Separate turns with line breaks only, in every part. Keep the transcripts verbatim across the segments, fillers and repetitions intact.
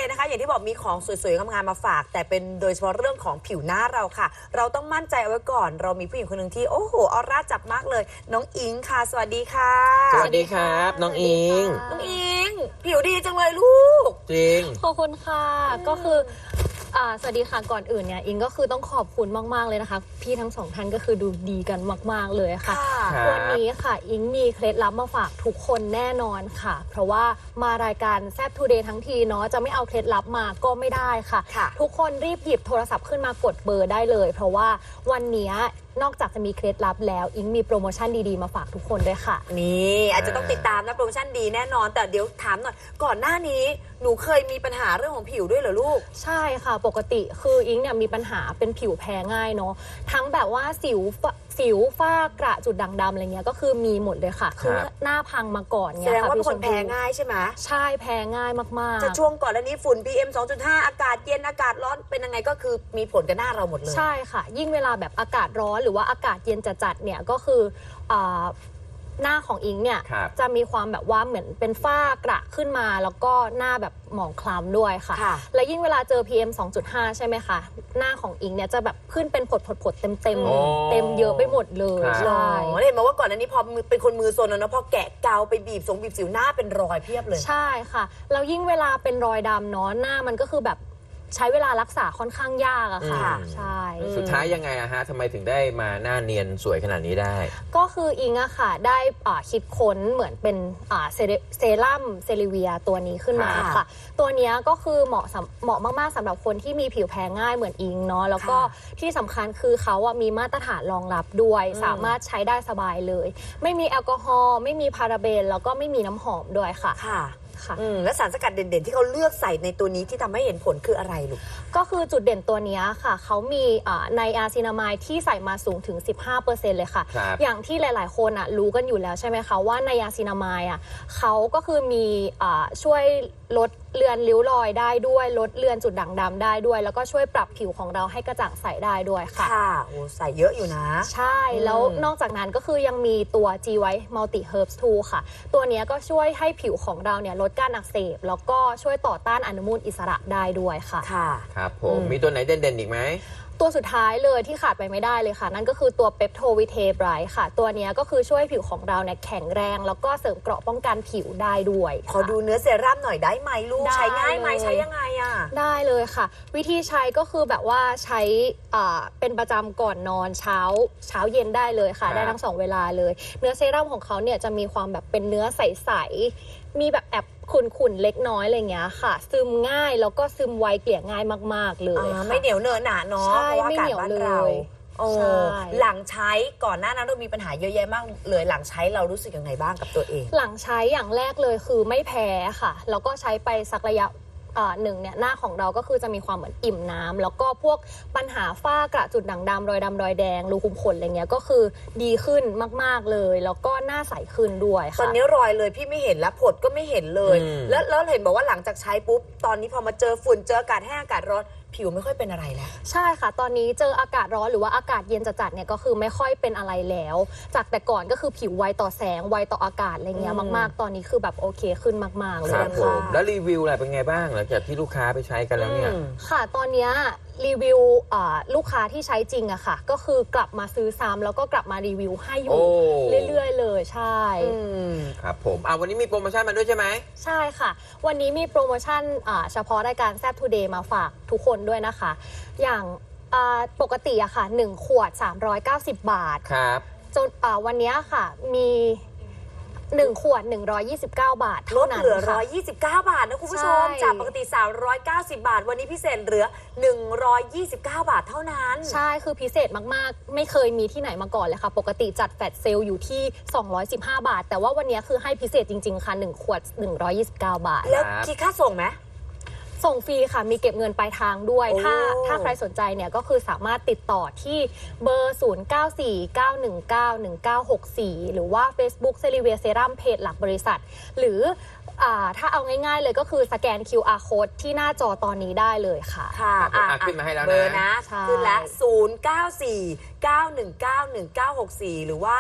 นะคะอย่างที่บอกมีของสวยๆงามๆมาฝากแต่เป็นโดยเฉพาะเรื่องของผิวหน้าเราค่ะเราต้องมั่นใจเอาไว้ก่อนเรามีผู้หญิงคนหนึ่งที่โอ้โหออร่าจับมากเลยน้องอิงค่ะสวัสดีค่ะ
สวัสดีครับน้องอิง
น้องอิงผิวดีจังเลยลูก
จริง
ขอบคุณค่ะก็คืออ่าสวัสดีค่ะก่อนอื่นเนี่ยอิงก็คือต้องขอบคุณมากๆเลยนะคะพี่ทั้งสองท่านก็คือดูดีกันมากๆเลยค่ะวันนี้ค่ะอิงมีเคล็ดลับมาฝากทุกคนแน่นอนค่ะเพราะว่ามารายการแซ่บทูเดย์ทั้งทีเนาะจะไม่เอาเคล็ดลับมาก็ไม่ได้ค่ะทุกคนรีบหยิบโทรศัพท์ขึ้นมากดเบอร์ได้เลยเพราะว่าวันนี้นอกจากจะมีเคล็ดลับแล้วอิงมีโปรโมชั่นดีๆมาฝากทุกคนด้วยค่ะ
นี่อาจจะต้องติดตามนะโปรโมชั่นดีแน่นอนแต่เดี๋ยวถามหน่อยก่อนหน้านี้หนูเคยมีปัญหาเรื่องของผิวด้วยเหรอลูก
ใช่ค่ะปกติคืออิงเนี่ยมีปัญหาเป็นผิวแพ้ง่ายเนาะทั้งแบบว่าสิวสิวฝ้ากระจุดด่างดำอะไรเงี้ยก็คือมีหมดเลยค่ะคือหน้าพังมาก่อน
เนี่ยแสดงว่าเป็นคนแพ้ง่ายใช่ไหม
ใช่แพ้ง่ายมากๆ
จะช่วงก่อนแล้วนี้ฝุ่น พี เอ็ม สองจุดห้า อากาศเย็นอากาศร้อนเป็นยังไงก็คือมีผลกับหน้าเราหมดเลย
ใช่ค่ะยิ่งเวลาแบบอากาศร้อนหรือว่าอากาศเย็นจัดๆเนี่ยก็คือหน้าของอิงเนี่ยจะมีความแบบว่าเหมือนเป็นฝ้ากระขึ้นมาแล้วก็หน้าแบบหมองคล้ำด้วยค่ะและยิ่งเวลาเจอ พี เอ็ม สองจุดห้า ใช่ไหมคะหน้าของอิงเนี่ยจะแบบขึ้นเป็นผดผดผดเต็มเต็มเต็มเยอะไปหมดเลย
ใช่เห็นมาว่าก่อนหน้านี้พอเป็นคนมือโซนแล้วนะพอแกะเกาไปบีบสงบีบสิวหน้าเป็นรอยเพียบเลย
ใช่ค่ะแล้วยิ่งเวลาเป็นรอยดำเนาะหน้ามันก็คือแบบใช้เวลารักษาค่อนข้างยากอะค่ะใช่
สุดท้ายยังไงอะฮะทำไมถึงได้มาหน้าเนียนสวยขนาดนี้ได้
ก็คืออิงอะค่ะได้คิดค้นเหมือนเป็นเซรั่มเซริเวียตัวนี้ขึ้นมาค่ะตัวนี้ก็คือเหมาะเหมาะมากๆสำหรับคนที่มีผิวแพ้ง่ายเหมือนอิงเนาะแล้วก็ที่สำคัญคือเขาอะมีมาตรฐานรองรับด้วยสามารถใช้ได้สบายเลยไม่มีแอลกอฮอล์ไม่มีพาราเบนแล้วก็ไม่มีน้ำหอมด้วยค่ะ
และสารสกัดเด่นๆที่เขาเลือกใส่ในตัวนี้ที่ทำให้เห็นผลคืออะไรลูก
ก็คือจุดเด่นตัวนี้ค่ะเขามีในอาซินามายที่ใส่มาสูงถึง สิบห้าเปอร์เซ็นต์ เลยค่ะอย่างที่หลายๆคนอ่ะรู้กันอยู่แล้วใช่ไหมคะว่าในอาซินามายอ่ะเขาก็คือมีช่วยลดเลือนริ้วรอยได้ด้วยลดเลือนจุดด่างดำได้ด้วยแล้วก็ช่วยปรับผิวของเราให้กระจ่างใสได้ด้วยค่ะ
ค่ะโอ้ใส่เยอะอยู่นะ
ใช่แล้วนอกจากนั้นก็คือยังมีตัว G White Multi Herbs ทู ค่ะตัวนี้ก็ช่วยให้ผิวของเราเนี่ยลดการอักเสบแล้วก็ช่วยต่อต้านอนุมูลอิสระได้ด้วยค่ะ
ค่ะ
ครับผมมีตัวไหนเด่นๆอีกไหม
ตัวสุดท้ายเลยที่ขาดไปไม่ได้เลยค่ะนั่นก็คือตัวเปปโทวิเทไบรท์ค่ะตัวนี้ก็คือช่วยผิวของเราเนี่ยแข็งแรงแล้วก็เสริมเกราะป้องกันผิวได้ด้วย
ขอดูเนื้อเซรั่มหน่อยได้ไหมลูกใช้ง่ายไหมใช้ยังไงอ่ะ
ได้เลยค่ะวิธีใช้ก็คือแบบว่าใช้เป็นประจำก่อนนอนเช้าเช้าเย็นได้เลยค่ะได้ทั้งสองเวลาเลยเนื้อเซรั่มของเขาเนี่ยจะมีความแบบเป็นเนื้อใสๆมีแบบแอบขุ่นๆเล็กน้อยอะไรเงี้ยค่ะซึมง่ายแล้วก็ซึมไวเกลี่ยง่ายมากๆเลย
ไม่เหนียวเนอะหนาเนาะเพราะว่าอากาศบ้านเราหลังใช้ก่อนหน้านั้นเรามีปัญหาเยอะแยะมากเลยหลังใช้เรารู้สึกยังไงบ้างกับตัวเอง
หลังใช้อย่างแรกเลยคือไม่แพ้ค่ะแล้วก็ใช้ไปสักระยะหนึ่งเนี่ยหน้าของเราก็คือจะมีความเหมือนอิ่มน้ำแล้วก็พวกปัญหาฝ้ากระจุดด่างดำรอยดำรอยแดงรูขุมขนอะไรเงี้ยก็คือดีขึ้นมากๆเลยแล้วก็หน้าใสขึ้นด้วยค่ะ
ตอนนี้รอยเลยพี่ไม่เห็นแล้วผดก็ไม่เห็นเลยแล้วแล้วเห็นบอกว่าหลังจากใช้ปุ๊บตอนนี้พอมาเจอฝุ่นเจออากาศแห้งอากาศร้อนผิวไม่ค่อยเป็นอะไรแล้ว
ใช่ค่ะตอนนี้เจออากาศร้อนหรือว่าอากาศเย็นจัดๆเนี่ยก็คือไม่ค่อยเป็นอะไรแล้วจากแต่ก่อนก็คือผิวไวต่อแสงไวต่ออากาศอะไรเงี้ยมากๆตอนนี้คือแบบโอเคขึ้นมากๆเลย
ครับผมแล้วรีวิวอะไรเป็นไงบ้างหลังจากที่ลูกค้าไปใช้กันแล้วเนี่ย
ค่ะตอนนี้รีวิวลูกค้าที่ใช้จริงอะค่ะก็คือกลับมาซื้อซ้ำแล้วก็กลับมารีวิวให้อยู่เรื่อยๆเลยใช่
ครับผมอ่ะวันนี้มีโปรโมชั่นมาด้วยใช่ไหม
ใช่ค่ะวันนี้มีโปรโมชั่นเฉพาะรายการแซ่บทูเดย์มาฝากทุกคนด้วยนะคะอย่างปกติอะค่ะหนึ่งขวดสามร้อยเก้าสิบบาท
ครับ
จนวันนี้ค่ะมีหนึ่งขวดหนึ่งร้อยยี่สิบเก้าบาท
ลดเหลือหนึ่งร้อยยี่สิบเก้าบาทนะคุณผู้ชมจากปกติสามร้อยเก้าสิบบาทวันนี้พิเศษเหลือหนึ่งร้อยยี่สิบเก้าบาทเท่านั้น
ใช่คือพิเศษมากๆไม่เคยมีที่ไหนมาก่อนเลยค่ะปกติจัดแฟลชเซลล์อยู่ที่สองร้อยสิบห้าบาทแต่ว่าวันนี้คือให้พิเศษจริงๆค่ะหนึ่งขวดหนึ่งร้อยยี่สิบเก้าบาท
แล้วคิดค่าส่งไหม
ส่งฟรีค่ะมีเก็บเงินปลายทางด้วยถ้าถ้าใครสนใจเนี่ยก็คือสามารถติดต่อที่เบอร์ ศูนย์ เก้า สี่ เก้า หนึ่ง เก้า หนึ่ง เก้า หก สี่ หรือว่า Facebook เซริเวียเซรั่มเพจหลักบริษัทหรือถ้าเอาง่ายๆเลยก็คือสแกน คิว อาร์ Code ที่หน้าจอตอนนี้ได้เลยค่ะ
ค่ะ
ขึ้นมาให้แล้วนะ
เบอร์นะขึ้นแล้วศูนย์ เก้า สี่ เก้า หนึ่ง เก้า หนึ่ง เก้า หก สี่หรือว่าแอด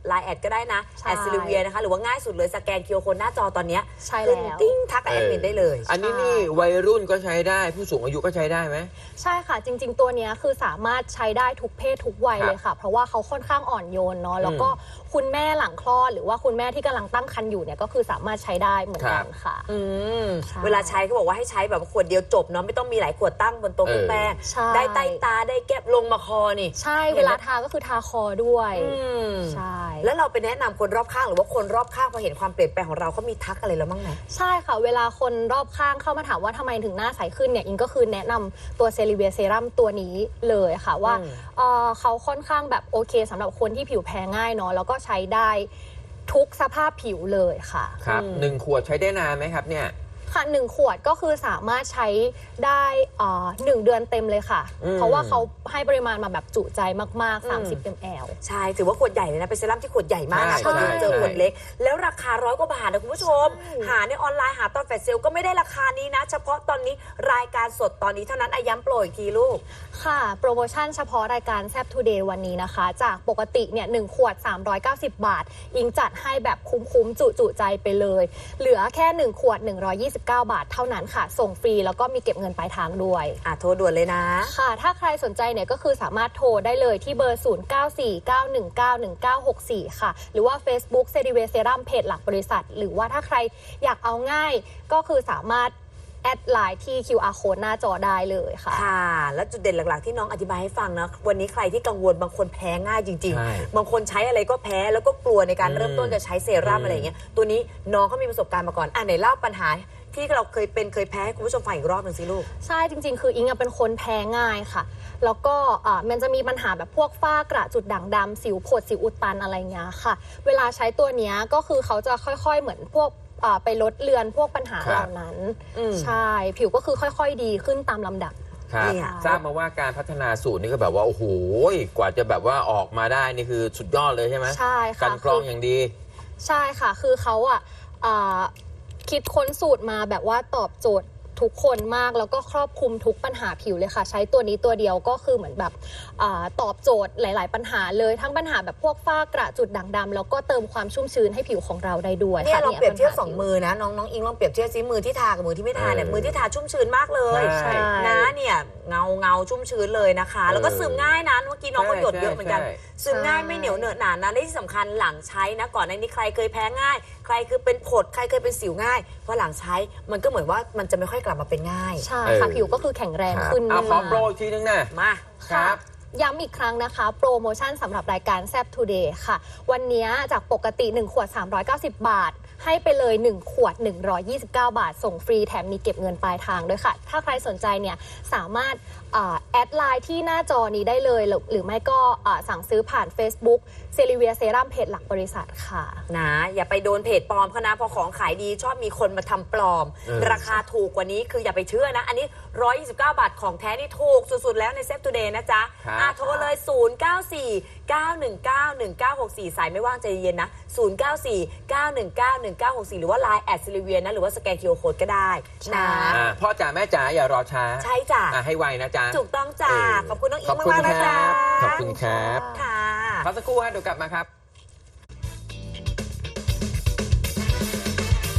ไลน์แอดก็ได้นะ
ใช่
แอดซิลิเวียนะคะหรือว่าง่ายสุดเลยสแกน คิว อาร์ Code หน้าจอตอนเนี้ย
ใช่
ขึ้น
แล้ว
ติ้งทักแอดมินได้เลย
อันนี้นี่วัยรุ่นก็ใช้ได้ผู้สูงอายุก็ใช้ได้ไหม
ใช่ค่ะจริงๆตัวเนี้ยคือสามารถใช้ได้ทุกเพศทุกวัย
ครับ
เลยค่ะ เพราะว่าเขาค่อนข้างอ่อนโยนเนาะแล้วก็คุณแม่หลังคลอดหรือว่าคุณแม่ที่กำลังตั้งครรภ์อยู่เนี่ยก็คือสามารถใช้ได้เหมือนกันค่ะ
อืม
ใช่
เวลาใช้เขาบอกว่าให้ใช้แบบขวดเดียวจบเนาะไม่ต้องมีหลายขวดตั้งบนโต๊ะ
เออ
แป้ง
ใช่
ได้ใต้ตาได้แก้มลงมาคอนี่
ใช่
เห็
เวน
ไหม
ลาทาก็คือทาคอด้วย
อืม
ใช่
แล้วเราไปแนะนำคนรอบข้างหรือว่าคนรอบข้างพอเห็นความเปลี่ยนแปลงของเราเขามีทักอะไรแล้วบ้างไหม
ใช่ค่ะเวลาคนรอบข้างเข้ามาถามว่าทำไมถึงหน้าใสขึ้นเนี่ยอิงก็คือแนะนำตัวเซริเวียเซรั่มตัวนี้เลยค่ะว่า
อืม
เอ่อเขาค่อนข้างแบบโอเคสำหรับคนที่ผิวแพ้ง่ายเนาะแล้วก็ใช้ได้ทุกสภาพผิวเลยค่ะ
ครับ
อืม
หนึ่งขวดใช้ได้นานไหมครับเนี่ย
ค่ะหนึ่งขวดก็คือสามารถใช้ได้เอ่อหนึ่งเดือนเต็มเลยค่ะ
อืม
เพราะว่าเขาให้ปริมาณมาแบบจุใจมาก
อืม
ๆ สามสิบ มิลลิลิตร
ใช่ถือว่าขวดใหญ่เลยนะเป็นเซรั่มที่ขวดใหญ่มากนะ
ใช่
ก็คือเจอ
ใช่
ขวดเล็ก แล้วราคาร้อยกว่าบาทนะคุณผู้ชม หาในออนไลน์หาตอนแฟลชเซลก็ไม่ได้ราคานี้นะ เฉพาะตอนนี้รายการสดตอนนี้เท่านั้นอาย้ำโปรอีกทีลูก
ค่ะ โปรโมชั่นเฉพาะรายการแซบทูเดย์วันนี้นะคะ จากปกติเนี่ยหนึ่งขวด สามร้อยเก้าสิบ บาท อิงจัดให้แบบคุ้มๆ จุๆใจไปเลย เหลือแค่ หนึ่ง ขวด หนึ่งร้อยยี่สิบเก้า บาทเท่านั้นค่ะ ส่งฟรีแล้วก็มีเก็บเงินปลายทางด้วย
อ่ะโทรด่วนเลยนะ
ค่ะ ถ้าใครสนใจเนี่ยก็คือสามารถโทรได้เลยที่เบอร์ ศูนย์ เก้า สี่ เก้า หนึ่ง เก้า หนึ่ง เก้า หก สี่ ค่ะ หรือว่า Facebook เซริเวเซรัมเพจหลักบริษัท หรือว่าถ้าใครอยากเอาง่ายก็คือสามารถแอดไลน์ที่ คิว อาร์ Code หน้าจอได้เลยค่ะ
ค่ะ แล้วจุดเด่นหลักๆที่น้องอธิบายให้ฟังนะ วันนี้ใครที่กังวลบางคนแพ้ง่ายจริง
ใช่
ๆ บางคนใช้อะไรก็แพ้แล้วก็กลัวในการเริ่มต้นจะใช้เซรั่ม
อืม
อะไรอย่างเงี้ย ตัวนี้น้องเขามีประสบการณ์มาก่อน อ่ะไหนเล่าปัญหาที่เราเคยเป็นเคยแพ้ให้คุณผู้ชมฟังอีกรอบหนึ่งสิลูก
ใช่จริงๆ คืออิงอะเป็นคนแพ้ง่ายค่ะ แล้วก็อ่ามันจะมีปัญหาแบบพวกฝ้ากระจุดด่างดำสิวผดสิวอุดตันอะไรเงี้ยค่ะ เวลาใช้ตัวเนี้ยก็คือเขาจะค่อยๆเหมือนพวกอ่าไปลดเลือนพวกปัญหา
ครับ
เหล่านั้น
อืม
ใช่ผิวก็คือค่อยๆดีขึ้นตามลำดับ
ครับ
เนี่ย
ทราบมาว่าการพัฒนาสูตรนี่ก็แบบว่าโอ้โหกว่าจะแบบว่าออกมาได้นี่คือสุดยอดเลยใช่ไหม
ใช่ค่ะ
กันกรองอย่างดี
ใช่ค่ะ คือเขาอ่ะอ่าคิดค้นสูตรมาแบบว่าตอบโจทย์ทุกคนมากแล้วก็ครอบคลุมทุกปัญหาผิวเลยค่ะ ใช้ตัวนี้ตัวเดียวก็คือเหมือนแบบอาตอบโจทย์หลาย ๆ ปัญหาเลยทั้งปัญหาแบบพวกฝ้ากระจุดด่างดำแล้วก็เติมความชุ่มชื้นให้ผิวของเราได้ด้วย
เนี่ย
ค่ะ
ลองเปรียบเทียบ
ปัญหา
สองมือนะน้องน้องอิงลองเปรียบเทียบซิมือที่ทากับมือที่ไม่ทาเนี่ย
เออ
มือที่ทาชุ่มชื้นมากเลย
ใช่
นะเนี่ยเงาเงาชุ่มชื้นเลยนะคะ แล้วก็
เออ
ซึมง่ายนะเมื่อกี้น้องก็
ใช่
หยดเยอะเหมือนกัน
ใช่
ซึมง่ายไม่เหนียวเหนอะหนานะและที่สำคัญหลังใช้นะก่อนในนี้ใครเคยแพ้ง่าย ใครคือเป็นผดใครเคยเป็นสิวง่ายเพราะหลังใช้มันก็เหมือนว่ามันจะไม่ค่อยกลับมาเป็นง่าย
ใช่ค่ะ
เออ
ผิวก็คือแข็งแรง
ครับ
ขึ้น
เอาขอ
มาก
โปรอีกทีนึงนะ
มา
ครับ
ย้ำอีกครั้งนะคะ โปรโมชั่นสำหรับรายการแซบทูเดย์ค่ะ วันนี้จากปกติ หนึ่ง ขวด สามร้อยเก้าสิบ บาท ให้ไปเลย หนึ่ง ขวด หนึ่งร้อยยี่สิบเก้า บาท ส่งฟรีแถมมีเก็บเงินปลายทางด้วยค่ะ ถ้าใครสนใจเนี่ยสามารถอ่าแอดไลน์ที่หน้าจอนี้ได้เลย หรือหรือไม่ก็อ่าสั่งซื้อผ่าน Facebook เซริเวียเซรั่มเพจหลักบริษัทค่ะ
นะอย่าไปโดนเพจปลอมเขานะเพอของขายดีชอบมีคนมาทำปลอม
เออ
ราคาถูกกว่านี้คืออย่าไปเชื่อนะ อันนี้หนึ่งร้อยยี่สิบเก้า บาทของแท้นี่ถูกสุดๆแล้วในเซฟทูเดย์นะจ๊ะ
ครับ
อ่ะโทรเลย ศูนย์ เก้า สี่ เก้า หนึ่ง เก้า หนึ่ง เก้า หก สี่ สายไม่ว่างใจเย็นนะ ศูนย์ เก้า สี่ เก้า หนึ่ง เก้า หนึ่ง เก้า หก สี่ หรือว่า ไลน์ แอดซิลิเวียนะหรือว่าสแกน คิว อาร์ Code ก็ได้นะ
อ่าพ่อจ๋าแม่จ๋าอย่ารอช้า
ใช่จ้ะ
อ่ะให้ไวนะจ๊ะ
ถูกต้องจ้ะ
เออ
ขอบคุณน้องอิ
ข
ง
อบคุณ
มากๆนะ
ครั
จ๊ะ
บขอบคุณครับ
ค่ะ
พักสักครู่ฮะเดี๋ยวกลับมาครับ